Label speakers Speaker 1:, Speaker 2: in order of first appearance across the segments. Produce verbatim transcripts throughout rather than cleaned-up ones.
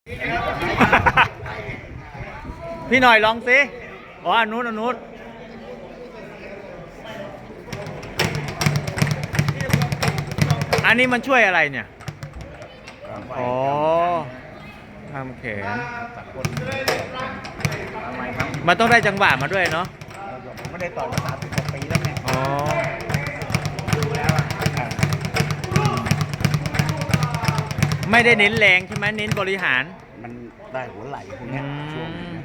Speaker 1: พี่หน่อยลองสิอ๋ออนุนอนุนอันนี้มันช่วยอะไรเนี่ยอ๋อทำแขนมันต้องได้จังหวะมาด้วยเนาะ
Speaker 2: ผมไม่ได้ต่อยมาสามสิบกว่าปีแล้วเนี่ย
Speaker 1: อ๋อ
Speaker 2: ดูแล้วอ่ะ
Speaker 1: ไม่ได้เน้นแรงใช่ไหมเน้นบริหาร
Speaker 2: มันได้หัวไหล่พวกนี้ช่วง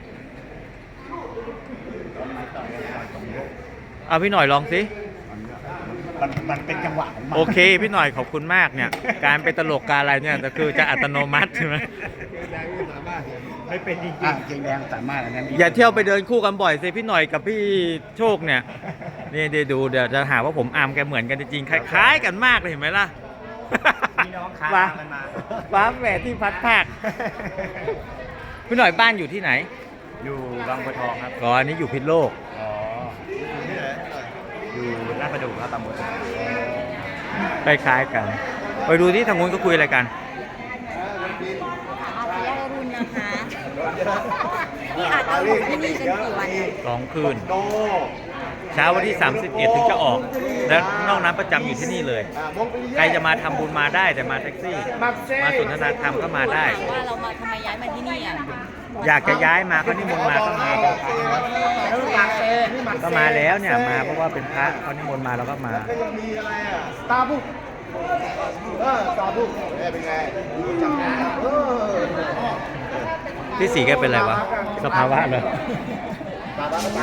Speaker 1: เอาพี่หน่อยลองสิ
Speaker 2: มันมันเป็นจังหวะของมัน
Speaker 1: โอเคพี่หน่อยขอบคุณมากเนี่ยการเป็นตลกการอะไรเนี่ยก็คือจะอัตโนมัติใช่ไหม
Speaker 2: ไม่เป็นจริงๆเกงแดงสามารถอันนั้น
Speaker 1: อย่าเที่ยวไปเดินคู่กันบ่อยสิพี่หน่อยกับพี่โชคเนี่ยนี่เดี๋ยวดูเดี๋ยวจะหาว่าผมอามแกเหมือนกันจริงๆคล้ายๆกันมากเลยเห็นไหมล่ะ
Speaker 2: พี่น้องค้ากันมา
Speaker 1: ฟ้าแหวที่พัดภาคพี่หน่อยบ้านอยู่ที่ไหน
Speaker 2: อยู่บางบัวทองครับ
Speaker 1: อ๋ออันนี้อยู่พิษโลก
Speaker 2: อ๋ออยู่ลาดประดู่ครับตำบล
Speaker 1: คล้ายๆกันไปดูที่ทางนู้นก็คุยอะไรกัน
Speaker 3: อาเซียรุ่นนะคะนี่อาจจะอยู่ที่นี่กันกี่วัน
Speaker 1: สองคืนเช้าวันที่สามสิบเอ็ดถึงจะออกแล้วนอกนั้นประจำอยู่ที่นี่เลยใครจะมาทำบุญมาได้แต่มาแท็กซี่มาสนทนาธรรมก็มาได้
Speaker 3: ว่าเรามาทำไมย้ายมาที่นี่อ่ะ
Speaker 1: อยากจะย้ายมาก็นิมนต์มาก็มาก็มาแล้วเนี่ยมาเพราะว่าเป็นพระเขานิมนต์มาเราก็มา
Speaker 2: ตาบุกเออตาบุกเป็นไงจำได้เออ
Speaker 1: พี่สีแกเป็นอะไรวะสภาวะเลย